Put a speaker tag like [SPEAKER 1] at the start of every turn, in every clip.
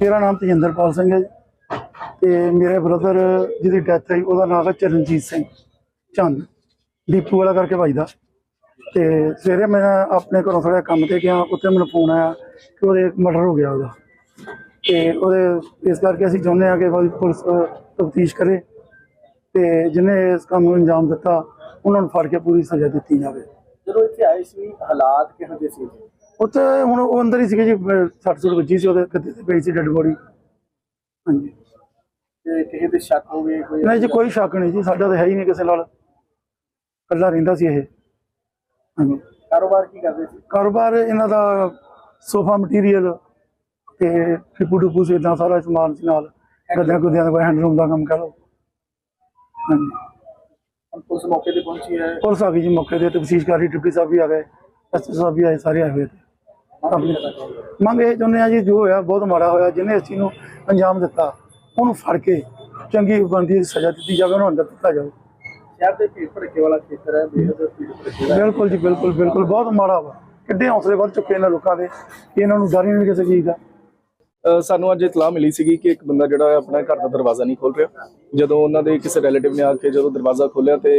[SPEAKER 1] मेरा नाम तजिंदरपाल सिंह है तो मेरे ब्रदर जिसकी डैथ हुई उसका नाम है चरणजीत सिंह चंद डीपू वाला करके बजदा। तो सवेरे मैं अपने घरों थोड़ा काम से गया, उत्थे मैंने फोन आया कि वो मर्डर हो गया वो। तो इस करके असीं चाहुंदे हां कि पुलिस तफ्तीश करे तो जिन्हें इस काम को अंजाम दिता उन्होंने फड़ के पूरी सज़ा दी जाए।
[SPEAKER 2] ਜਦੋਂ ਇੱਥੇ ਆਏ ਸੀ ਹਾਲਾਤ ਕਿਹੋ ਜਿਹੇ ਸੀ?
[SPEAKER 1] उत्थे हुण वो अंदर ही सीगे जी, 60 वजी सी ਉਹਦੇ ਗੱਦੇ ਤੇ ਪਈ ਸੀ ਡੈਡ ਬੋਡੀ। ਹਾਂਜੀ
[SPEAKER 2] ਤੇ ਕਿਸੇ ਦੇ ਸ਼ੱਕ ਹੋਵੇ ਕੋਈ?
[SPEAKER 1] नहीं जी कोई शक नहीं जी, साडा तो है ही नहीं किसी नाल, कल्ला रहिंदा सी ये। ਹਾਂਜੀ
[SPEAKER 2] ਕਾਰੋਬਾਰ ਕੀ ਕਰਦੇ ਸੀ?
[SPEAKER 1] कारोबार इन्हां दा सोफा मटीरियल ते फिपू टुपू से इदां सारा समान सी नाल, गद्दियां गुद्दियां दा हैंडलूम दा काम कह लो। ਹਾਂਜੀ
[SPEAKER 2] ਹੁਣ ਪੁਲਿਸ मौके ਤੇ पहुंची है?
[SPEAKER 1] पुलिस आ गई जी मौके ते, तफ्तीश कर रही, डिप्टी साहब भी आ गए, एसपी साहब भी आए, सारे आए हुए थे। अपनी ਮੰਗ ਇਹ ਚਾਹੁੰਦੇ ਆ ਜੀ, ਜੋ ਹੋਇਆ ਬਹੁਤ ਮਾੜਾ ਹੋਇਆ, ਜਿਹਨੇ ਇਸ ਚੀਜ਼ ਨੂੰ ਅੰਜਾਮ ਦਿੱਤਾ ਉਹਨੂੰ ਫੜ ਕੇ ਚੰਗੀ ਬਣਦੀ ਸਜ਼ਾ ਦਿੱਤੀ ਜਾਵੇ, ਉਹਨੂੰ ਅੰਦਰ ਦਿੱਤਾ ਜਾਵੇ।
[SPEAKER 2] ਸ਼ਹਿਰ ਦੇ ਭੀੜ ਭੜਕੇ ਵਾਲਾ ਖੇਤਰ ਹੈ, ਬੇਹੱਦ ਭੀੜ ਭੜਕੇ ਦਾ।
[SPEAKER 1] ਬਿਲਕੁਲ ਜੀ ਬਿਲਕੁਲ ਬਿਲਕੁਲ, ਬਹੁਤ ਮਾੜਾ ਵਾ। ਕਿੱਡੇ ਹੌਸਲੇ ਵੱਧ ਚੁੱਕੇ ਇਹਨਾਂ ਲੋਕਾਂ ਦੇ ਕਿ ਇਹਨਾਂ ਨੂੰ ਡਰ ਹੀ ਨਹੀਂ ਕਿਸੇ ਚੀਜ਼ ਦਾ।
[SPEAKER 3] ਸਾਨੂੰ ਅੱਜ ਇਤਲਾਹ ਮਿਲੀ ਸੀਗੀ ਕਿ ਇੱਕ ਬੰਦਾ ਜਿਹੜਾ ਆਪਣਾ ਘਰ ਦਾ ਦਰਵਾਜ਼ਾ ਨਹੀਂ ਖੋਲ੍ਹ ਰਿਹਾ। ਜਦੋਂ ਉਹਨਾਂ ਦੇ ਕਿਸੇ ਰਿਲੇਟਿਵ ਨੇ ਆ ਕੇ ਜਦੋਂ ਦਰਵਾਜ਼ਾ ਖੋਲ੍ਹਿਆ ਤੇ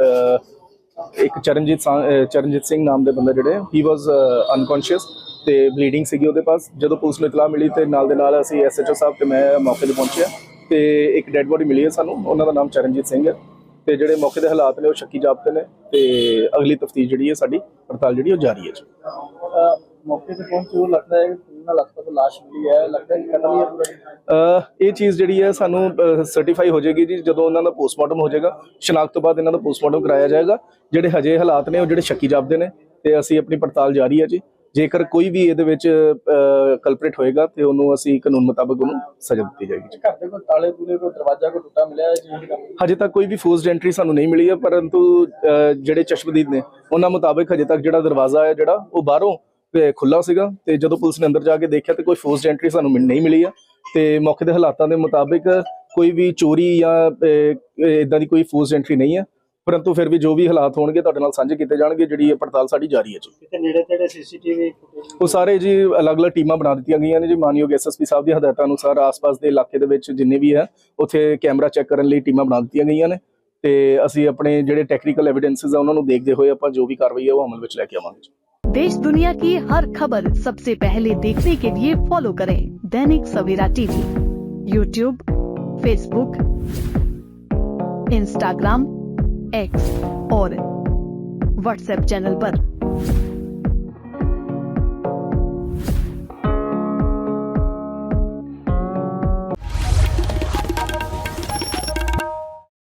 [SPEAKER 3] ਇੱਕ ਚਰਨਜੀਤ ਸਿੰਘ ਨਾਮ ਦੇ ਬੰਦੇ ਜਿਹੜੇ ਹੀ ਵਾਸ ਅਨਕੌਂਸ਼ੀਅਸ ਤੇ ਬਲੀਡਿੰਗ ਸੀਗੀ ਉਹਦੇ ਪਾਸ। ਜਦੋਂ ਪੁਲਿਸ ਨੂੰ ਇਤਲਾਹ ਮਿਲੀ ਤੇ ਨਾਲ ਦੇ ਨਾਲ ਅਸੀਂ SHO ਸਾਹਿਬ ਤੇ ਮੈਂ ਮੌਕੇ ਤੇ ਪਹੁੰਚਿਆ ਤੇ ਇੱਕ ਡੈੱਡ ਬੋਡੀ ਮਿਲੀ ਹੈ ਸਾਨੂੰ, ਉਹਨਾਂ ਦਾ ਨਾਮ ਚਰਨਜੀਤ ਸਿੰਘ ਹੈ ਤੇ ਜਿਹੜੇ ਮੌਕੇ ਦੇ ਹਾਲਾਤ ਨੇ ਉਹ ਸ਼ੱਕੀ ਜਾਪਦੇ ਨੇ ਤੇ ਅਗਲੀ ਤਫਤੀਸ਼ ਜਿਹੜੀ ਹੈ ਸਾਡੀ ਪੜਤਾਲ ਜਿਹੜੀ ਉਹ ਜਾਰੀ ਹੈ ਜੀ।
[SPEAKER 2] ਮੌਕੇ ਤੇ ਪਹੁੰਚੇ ਉਹ ਲੱਗਦਾ ਹੈ ਕਿ ਲਗਭਗ ਲਾਸ਼ ਮਿਲੀ ਹੈ, ਲੱਗਦਾ ਹੈ ਕਿ ਕਤਲ ਹੀ ਹੈ ਪੂਰਾ।
[SPEAKER 3] ਇਹ ਚੀਜ਼ ਜਿਹੜੀ ਹੈ ਸਾਨੂੰ ਸਰਟੀਫਾਈ ਹੋ ਜਾਏਗੀ ਜੀ ਜਦੋਂ ਉਹਨਾਂ ਦਾ ਪੋਸਟਮਾਰਟਮ ਹੋ ਜਾਏਗਾ। ਸ਼ਨਾਖਤ ਤੋਂ ਬਾਅਦ ਇਹਨਾਂ ਦਾ ਪੋਸਟਮਾਰਟਮ ਕਰਾਇਆ ਜਾਏਗਾ। ਜਿਹੜੇ ਹਜੇ ਹਾਲਾਤ ਨੇ ਉਹ ਜਿਹੜੇ ਸ਼ੱਕੀ ਜਾਪਦੇ ਨੇ ਤੇ ਅਸੀਂ ਆਪਣੀ ਪੜਤਾਲ ਜਾਰੀ ਹੈ ਜੀ। ਜੇਕਰ ਕੋਈ ਵੀ ਇਹਦੇ ਵਿੱਚ ਕਲਪਰੇਟ ਹੋਏਗਾ ਤੇ ਉਹਨੂੰ ਅਸੀਂ ਕਾਨੂੰਨ ਮੁਤਾਬਕ ਉਹਨੂੰ ਸਜ਼ਾ ਦਿੱਤੀ ਜਾਏਗੀ।
[SPEAKER 2] ਘਰ ਦੇ ਕੋਈ ਤਾਲੇ ਤੂਲੇ ਕੋਈ ਦਰਵਾਜ਼ਾ ਕੋਈ ਟੁੱਟਾ ਮਿਲਿਆ ਜੀ?
[SPEAKER 3] ਹਜੇ ਤੱਕ ਕੋਈ ਵੀ ਫੋਰਸਡ ਐਂਟਰੀ ਸਾਨੂੰ ਨਹੀਂ ਮਿਲੀ ਹੈ, ਪਰੰਤੂ ਜਿਹੜੇ ਚਸ਼ਮਦੀਦ ਨੇ ਉਹਨਾਂ ਮੁਤਾਬਕ ਹਜੇ ਤੱਕ ਜਿਹੜਾ ਦਰਵਾਜ਼ਾ ਹੈ ਜਿਹੜਾ ਉਹ ਬਾਹਰੋਂ ਖੁੱਲਾ ਸੀਗਾ ਤੇ ਜਦੋਂ ਪੁਲਿਸ ਨੇ ਅੰਦਰ ਜਾ ਕੇ ਦੇਖਿਆ ਤੇ ਕੋਈ ਫੋਰਸਡ ਐਂਟਰੀ ਸਾਨੂੰ ਨਹੀਂ ਮਿਲੀ ਆ ਤੇ ਮੌਕੇ ਦੇ ਹਾਲਾਤਾਂ ਦੇ ਮੁਤਾਬਕ ਕੋਈ ਵੀ ਚੋਰੀ ਜਾਂ ਇਦਾਂ ਦੀ ਕੋਈ ਫੋਰਸਡ ਐਂਟਰੀ ਨਹੀਂ ਹੈ, ਪਰੰਤੂ ਫਿਰ ਵੀ ਜੋ ਵੀ ਹਾਲਾਤ ਹੋਣਗੇ ਤੁਹਾਡੇ ਨਾਲ ਸਾਂਝੇ ਕੀਤੇ ਜਾਣਗੇ। ਜਿਹੜੀ ਪੜਤਾਲ ਸਾਡੀ ਜਾਰੀ ਹੈ ਜੀ।
[SPEAKER 2] ਕਿਤੇ ਨੇੜੇ ਤੇੜੇ CCTV
[SPEAKER 3] ਉਹ ਸਾਰੇ ਜੀ ਅਲੱਗ-ਅਲੱਗ ਟੀਮਾਂ ਬਣਾ ਦਿੱਤੀਆਂ ਗਈਆਂ ਨੇ ਜੀ। ਮਾਨਯੋਗ SSP ਸਾਹਿਬ ਦੀ ਹਦਾਇਤਾਂ ਅਨੁਸਾਰ ਆਸ-ਪਾਸ ਦੇ ਇਲਾਕੇ ਦੇ ਵਿੱਚ ਜਿੰਨੇ ਵੀ ਹੈ ਉੱਥੇ ਕੈਮਰਾ ਚੈੱਕ ਕਰਨ ਲਈ ਟੀਮਾਂ ਬਣਾ ਦਿੱਤੀਆਂ ਗਈਆਂ ਨੇ ਤੇ ਅਸੀਂ ਆਪਣੇ ਜਿਹੜੇ ਟੈਕਨੀਕਲ ਐਵੀਡੈਂਸਿਸ ਆ ਉਹਨਾਂ ਨੂੰ ਦੇਖਦੇ ਹੋਏ ਆਪਾਂ ਜੋ ਵੀ ਕਾਰਵਾਈ ਹੈ ਉਹ ਅਮਲ ਵਿੱਚ ਲੈ ਕੇ ਆਵਾਂਗੇ।
[SPEAKER 4] देश दुनिया की हर खबर सबसे पहले देखने के लिए फॉलो करें Dainik Savera TV, YouTube, Facebook, Instagram, X और WhatsApp चैनल पर।